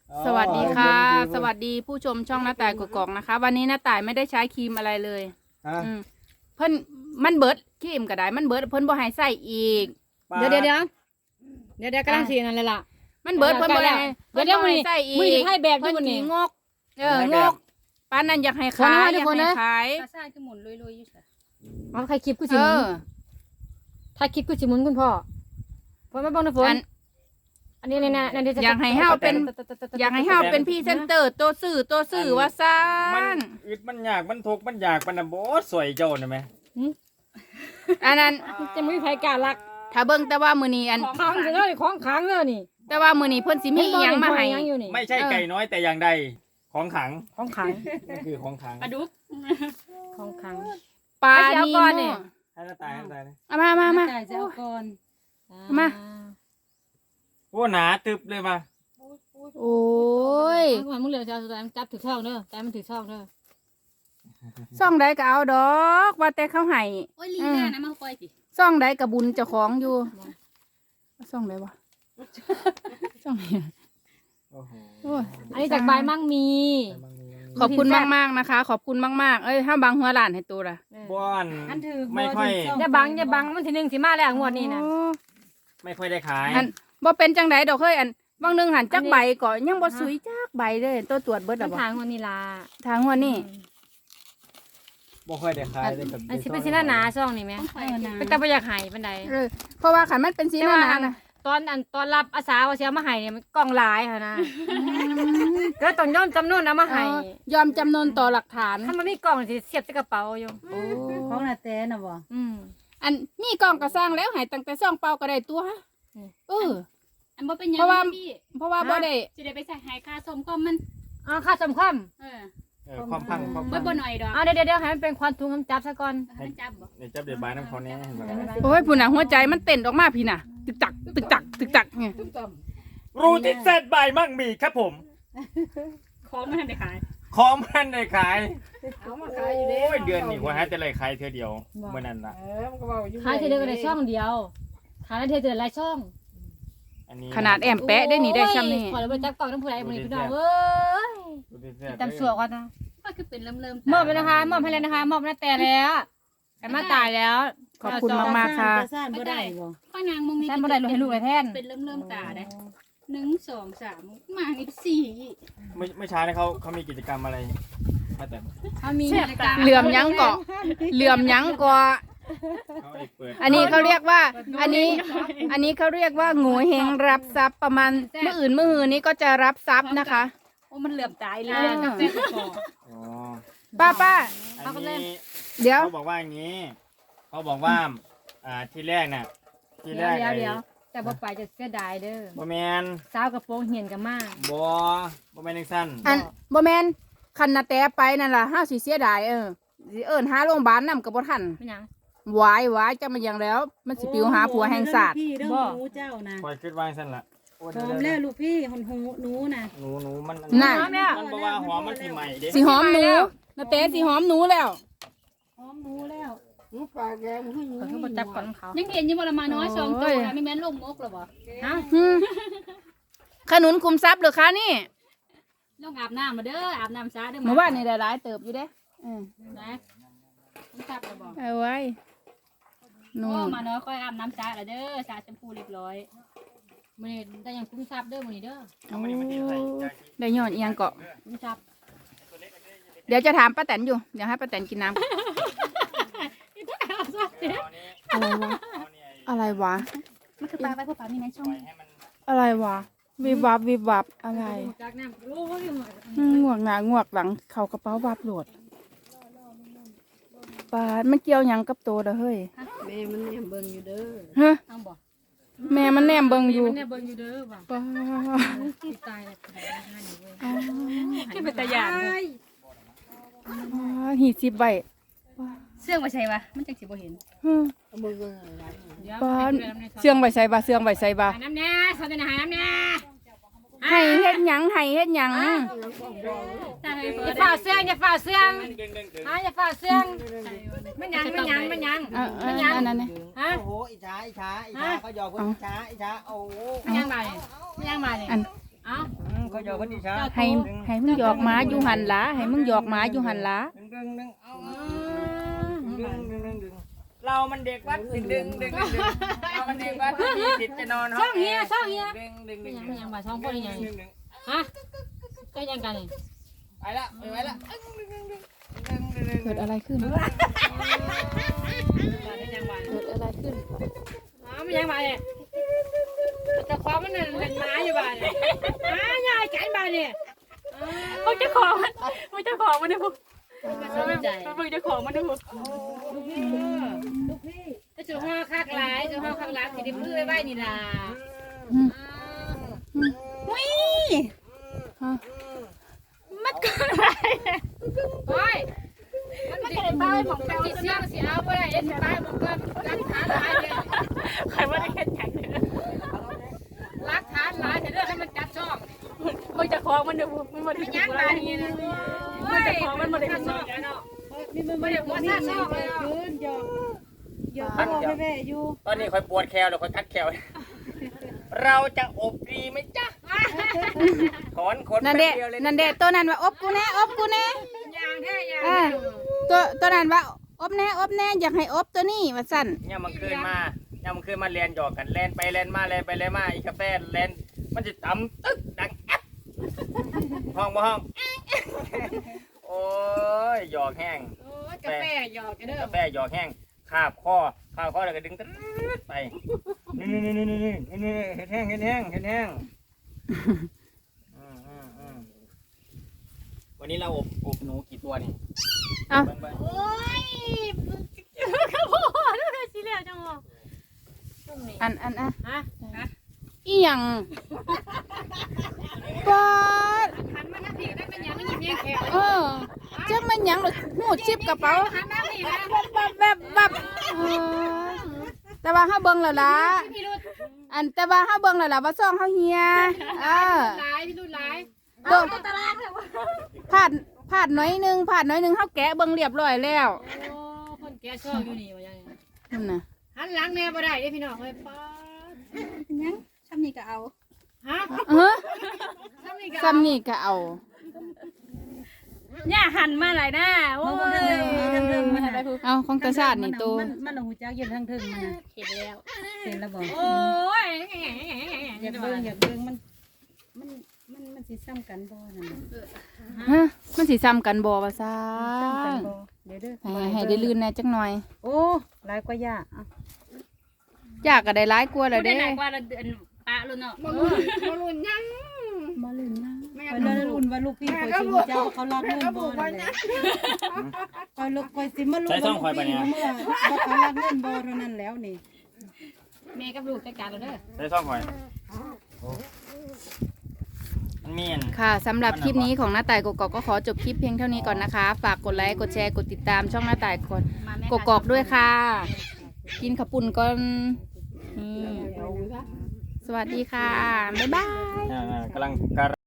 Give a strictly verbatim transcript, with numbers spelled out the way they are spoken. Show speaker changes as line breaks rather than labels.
สวัสดีค่ะสวัสดีผู้ชมช่องหน้าต่ายกกอกนะคะ วันนี้หน้าต่ายไม่ได้ใช้ครีมอะไรเลยอืมเพิ่นมันเบิดครีมก็ได้มันเบิดเพิ่นบ่ให้ใส่อีก
เดี๋ยวเดี๋ยวเดี๋ยวเดี๋ยวเดี๋ยวกำลังสีนั่นเลยล่ะ
มันเบิดเพิ่นบ่ให้
เดี๋ยวเดี๋ยว
เพิ่นบ่ให้ใส่อี
มือก ให้แบบด้
เพิ่
วย
น
วัน
สิ
นี้
งกเอองกปานนั้นอยากให้
คน
ขาย
นะ
อ
ทุก
ยาก
คน
ให้
นะ
ขาย
ปลาซ่าคือหมุนลุยๆอยู่ค่ะ
เอาใครคลิปกูสิ
เอ
หมุน
อ
ถ้าคลิปกูสิหมุนคุณพ่อฝนมาบ้างนะฝน
อัน
อันนี้เนี่ยนะนั่นที่จะ
อยากให้เฮาเป็น อยากให้เฮาเป็นพรีเซนเตอร์ตัวซื้อตัวซื้อว่าซ่า
มัน
น
อึดมันยากมันทุกข์มันอยากมันน่ะบ่สวยเจ้าน่ะแม่
อันนั้น
จะไม่มีใครกล้ารัก
ถ้าเบิ่งแต่ว่ามื้อนี้อัน
ค้างจะได้ของค้างเลยนี่
แต่ว่ามื้อนี้เพิ่นสิมีอีหยังมาให้
ยังอยู่นี่
ไม่ใช่ไก่น้อยแต่อย่างใดของขัง
ของค้าง
นี่คือของขัง
ปลาดุก
ของค้าง
ปลา
ให้เสีย
นี
ก่อน
โม
นี่
ให้หน้าตายให้หน้าตายเลย
เอามามามา
จ่ายจะเอาก่อน
มา
โอ้หนาตึบเลยมา
โอ้ย
ไอ้คนมึงเหลือจะเอาสุดท้ายมันจับถือช่องเด้อแต่มันถือช่องเด้อ
ซ่องใดก็เอาดอกว่าแต่เขาให้
โอ้ยลีน่านะมาปล่อยสิ
ซ่องใดก็บุญเจ้าของอยู่ซ่องใดวะซ่องไหน
โอ้โห
โอ้ย
อันนี้จากใบมั่งมี
ขอบคุณมากๆนะคะ ขอบคุณมากๆเอ้ยถ้าบางหัวหลานให้ตัวละ
บ้อน
อันถือ
ไม่ค่อย
อย่าบังอย่าบังมันทีหนึ่งสิมาแล้วงวดนี้นะ
โอ้
ไม่ค่อยได้ขาย
อันบ่เป็นจังไดดอกเฮ้ยอันบางหนึงหันจักใบก่อนยังบ่สุยจักใบเลยตัวตรวจเบิด
มั
แล้ว
น
บ่
ทางงวดนี้ล่ะ
ทางหัวนี่
บ่ค่อยได้ขายเลยกับ
อันสิเป็นสิหน้าหนาช่องนี่ไหม
ต้องไปนะ
เป็นตาประหยัดหายปันใด
เออเพราะว่าขันมันเป็นสีหน้าหนานะ
ตอนอันตอนรับอาสาว่าเสียมาให้เนี่ยมันกล่องหลายค่ะนะแล้วต้องย่อมจำนวนเอามาให้
เออยอมจำนนต่อหลักฐาน
ถ้ามันมีกล่องสิเสียบใส่กระเป๋าอยู่
โอ้
ของนาแตน่ะบ่
อืม
อันนี่กล้องก็สร้างแล้วให้ตั้งแต่ซ่องเปล่าก็ได้ตัวเออ
อันบ่เป็นหยัง
เพราะว่า
พี่
เพราะว่าบ่ได้
สิได้ไปใส่หายค่าส้มก็มัน
อ๋อค่าสมความ
เออ
เออความพังความ
บ่
พัง
บ่หน่อยดอก
อ่าเดี๋ยวเดี๋ยวเดี๋ยวให้มันเป็นควันทุงคำจับซะก่อน
ให้มันจับบ่
เดี๋ยวจับเดี๋ยวบายน้ำเขาแน่เห็นไหม
โอ้ยผู้น่ะหัวใจมันเต้นออกมาพี่น่ะ ตึกตักตึกตักตึกตักเนี่ย
รูที่เซตบายมั่งมีครับผม
ของมันได้ขาย
ของมันได้ขาย
เอามา
โ
ขายอยู่เด้
อ้ยเดือนนี้ว่าฮะจะเลยขายเท่อเดียวเมื่อนั้นละ
เออมันก็เว้าอยู่
ขายทีเดียวก็ได้ช่องเดียวขายได้ทีเดียวหลายช่อง
อันนี้
ขนาดแอมแปะได้นี่ได้ซ้ำนี่
ขอแล้วไปจับกล่องน้ำผู้ใดมือนี้พี่น้องเอ้ย
รูที่เซต
ตำสวกก่อนนะ
ก็คือเป็นเริ่มๆ
มอบไปนะคะมอบให้แล้วนะคะมอบหน้าแต่แล้วแอมมาตายแล้ว
ขอบคุณมากๆค่ะ
ซ่านบ่ได้บ่ข้างนางมึงนี่
แท่นบ่ได้ลูกให้ลูกเลยแท่น
เป็นเริ่มๆตาได้หนึ่งสองสามมานี่สี่
ไม่ไม่ช้านะเขาเขามีกิจกรรมอะไรมาแต่
เขามีนาฬิกา
เหลื่อมยั้งเกาะเหลื่อมยั้งเกาะ
เขาเอกเปิด
อันนี้เขาเรียกว่า อันนี้ อันนี้เขาเรียกว่างูเฮงรับทรัพย์ประมาณเมื่ออื่นเมื่อหืนนี้ก็จะรับทรัพย์นะคะ
โอ้มันเหลื่อมตายเลย
อ่า
กาแฟก็พอ
อ๋อ
ป้าป้า
อันนี้
เดี๋ยว
เขาบอกว่าอย่างนี้เขาบอกว่าอ่าที่แรกน่ะที่แร
เดี๋ยว
ก
เดี๋ยว
ไอ้
เดี๋ยวแต่บ่ไปจะเสียดายเด้อ
บ่แมน
สาวกระโปรงเหียนกันมาก
บ่บ่แมนจังซั่น
อันบ่แมนคันนาแต่ไปนั่นล่ะห้าสิเสียดายเออสิเอิ้นหาโรงพยาบาลนำก็บ่ทัน
เป็นหยัง
วายวายจะมาอย่างแล้ว มันสิปิวหาผัวแห่งศาสตร์
พี่เรื่อง
บ่
หนูเจ้านะ
คอยคิดว่าจังซั่นล่ะโอ้
พร้อม
เดี๋
แล้
ยว ว
ลูกพี่หนหูหนูนะ
ๆหนูหนูมัน
น่ะ
มันบ่ว่าหัวมันสิใหม่เด้
สิหอมหนูนาแต่สิหอมหนูแล้ว
พร้อมหนูแล้ว
หนูปากแดงให้หนู
เขาคือบ่จับก่อนของเขา
ยังเห็นอยู่บ่ละมาน้อยสองตัวนะไม่แม่นลงมกหรอบ่
ฮะ
อืมขนุนคุมทรัพย์เหรือคะนี่
ลงอาบน้ำมาเด้ออาบน้ำซะเด้อ
เมื่อวานนี่ได้หลายเติบอยู่เด้เออ
นะต้องจับหรอบ่
เอาไว้หนู
โอ้มาน้อยค่อยอาบน้ำซะละเด้อซะชมพูเรียบร้อย
มื้อนี้ได้หยังคุ้มทรัพย์เด้อมื้อนี้เด้อ
เอามานี่มานี่ใส่ใจ
ได้ยอดเอียงเกาะ
คุ้มทรัพย์
เดี๋ยวจะถามป้าแตนอยู่เดี๋ยวให้ป้าแตนกินน้ำ อะไรวะ อะไรวะ
มันคือปลาไว้พวกปลามีในช่อง
อะไรวะวิบวับวิบวับอะไร
จากน้ำโอ้ย
อืมงวกหน้างวกหลังเข่ากระเป๋าวับโหลดปาดมันเกี่ยวหยังกับโตเด้อเฮ้ย
แม่มันเนี่ยเบิ่งอยู่เด้อ
ฮะ
เอาบ่
แม่มันแนมเบิ่งอยู่
มันเนี่ยเบิ่งอยู่เด้อว่ะ
ปาด
ที่ตายแล้วตายแล้วนี่เว้ย
คือเป็นตะยาน
ปาดหีสิบใบ
เสื่องบ่ใช่ปะมันจังสิบ่เห็น
ฮึ
เบิ่งเบิ่งอะไร
เดี๋ยว
ปาด
ให้ดูน้ำในซ
เสื่องใบใส่บาเสื่องใบใส่บา
หาน้ำแน่สอนจะหาน้ำแน่
ให้เฮ็ดหยังให้เฮ็ดหยัง
ตาเฮ้ย
อย่าฝ่าเสื่องอย่าฝ่าเสื่อง
ดึงดึงดึง
ฮะอย่าฝ่าเสื่องมันยังมันยังมันยัง
เออเอออันนั้นเนี่ย
ฮะ
โอ้โหอิจฉาอิจฉาอิจฉาเขาหยอกคนอิจฉาอิจฉาโอ้โห
มันยังมาเนี่ยมันยังมาเนี่ย
อัน
เอ้า
เขาหยอกคนอีสาน
ให้ให้มึงหยอกหมาอยู่หันหลาให้มึงหยอกหมาอยู่หันหลา
ดึงดึงดึงเอาดึงดึงดึงดึงเรามันเด็กวัดดึงดึงดึงดึงเรามันเด็กวัดมีสิทธิ์จะนอนห้องแอร์ดึงดึงดึง
ยัง
ดึง
ยังบ่ช่องคนยัง
ดึงดึง
ฮะก็ยังกันนี่
ไปละไปไว้ละ
เกิดอะไรขึ้น
ยังบ่
เกิดอะไรขึ้น
อ๋อมันยังบ่เนี่ยแต่ความมันนั่นเป็นไม้อยู่บ่เนี่ยอ้ายายกันบ่เนี่ยพวกเจ้าของมันพวกเจ้าของมันเนี่ยพวกพวกเจ้าของมันเนี่ยพวกถ้าจะห้าคักหลายจะห้าคักหลายสิได้พื้นไว้นี่ล่ะ
มันเกิดอะไร
โอ้ยมันไม่ได้ป้ายของเขาสิเสียงสิเอาบ่ได้เอ็นป้ายบอกว่ารักฐานหลายเลยใครว่าได้แค่จัดรักฐานหลายแต่เรื่องให้มันจัดช่องมันจะของมันเดี๋ยวมันบ่ได้ยักมานี่นะมันจะของมันบ่ได้จัดช่องเนาะมันบ่ได้ว่าจัดช่องเลย
ยืนหยอกหยอกพ่อแม่อยู่
ตอนนี้คอยปวดแคลเดี๋ยวคอยคัดแคลเราจะอบดีไหมจ๊ะถอนขน
นั่นเด้
แป๊บดียวเลย
นั่นเด้ตัวนั้นว่าอบกูแน่อบกูแน่
ยางแท้ยาง
เออตัวตัวนั้นว่าอบแน่อบแน่อยากให้อบตัวนี้ว่าสั่น
เนี่ยมันคืนมาเนี่ยมันคืนมาเรียนหยอกกันแลนไปแลนมาแลนไปแลนมาอีกาแฟแลนมันจะต่ำตึ๊กดังแอ๊บห้องมาห้องโอ้ยหยอกแห้ง
โอ้ยกาแฟหยอกกันเด้อก
าแฟหยอกแห้งคาบคอคาบคอแล้วก็ดึงตึ๊ดไปนี่นี่นี่นี่นี่นี่เห็ดแห้งเห็ดแห้งเห็ดแห้งอืมอืมอืมวันนี้เราอบอบหนูกี่ตัวนี่
เอ้า
บิ่งบิ่ง
โอ้ยกระโปงด้วยสิแล้วจังหวะ
อันอันอ่ะ
ฮะ
อีหยังปอด
หันมาหน้าผีได้เป็นยังไม่ยินเพียงแค่
เออจักมันหยังหรอหูชิบกระเป๋า
หันหน้าผีนะ
บับแบบบับเออแต่ว่าเฮาเบิ่งแล้วล่ะ
พี่รุ่น
อันแต่ว่าเฮาเบิ่งแล้วล่ะว่าซ่องเฮาเฮียเออ
หลายพี่รุ่นหลาย
เบิ่งพลาดพลาดน้อยหนึงพลาดน้อยหนึงเฮาแกะเบิ่งเรียบร้อยแล้ว
โอ้คนแก่ชอบอยู่นี่ว่ายัง
นั่นน่ะ
หันหลังแน่บ่ได้เด้พี่น้องเอ้ยป้า
ยังทำนี่ก็เอา
ฮะ
เออ
ซ้ำนี่ก็
ซ้ำนี่ก็เอา
เนี่ยหันมาหลายหน้าโอ้ย
เอาของตาชาตินี่ตัว
มันมันหูจักยืนทางถึงมันน่ะ
เห็นแล้ว
เห็นแล้วบ่
โอ้ย
อยากเบิ่งอยากเบิ่งมันมันมันมันสิซ้ำกันบ่นั่นน่ะ
ฮะมันสิซ้ำกันบ่ว่าซ่า
ซ้ำกันบ่เดี๋ยวเด้อ
ให้ให้ได้ลื่นแหน่จักหน่อย
โอ้หลายกว่าย่าอ่ะ
ยากก็ได้หลายกว่าแล้ว
ได้
เด้
หลายกว่าเราเดือนปะรุ่นเนาะ
บ่รุ่นบ่รุ่นยัง
บ่ลืมนะ
แม่
คอยเลยรุ่นว่าลูกพี่คอยสิรู้จักว่าเขารักเงินบ่นั่นแหละคอยลูกคอยสิมารู้ว่าลูกพี่เมื่อว่าเขารักเงินบ่เท่านั้นแล้วนี่
แม่กับลูกจัดการเราเด้อ
ใส่ซ่องหอยมันมีอัน
ค่ะสำหรับคลิปนี้ของหน้าต่ายกกอกก็ขอจบคลิปเพียงเท่านี้ก่อนนะคะ ฝากกดไลค์กดแชร์กดติดตามช่องหน้าต่ายกดกกอกด้วยค่ะ กินขาวปุ่นก่อนนี่สวัสดีค่ะ บ๊ายบาย
อ่ากำลังกำลัง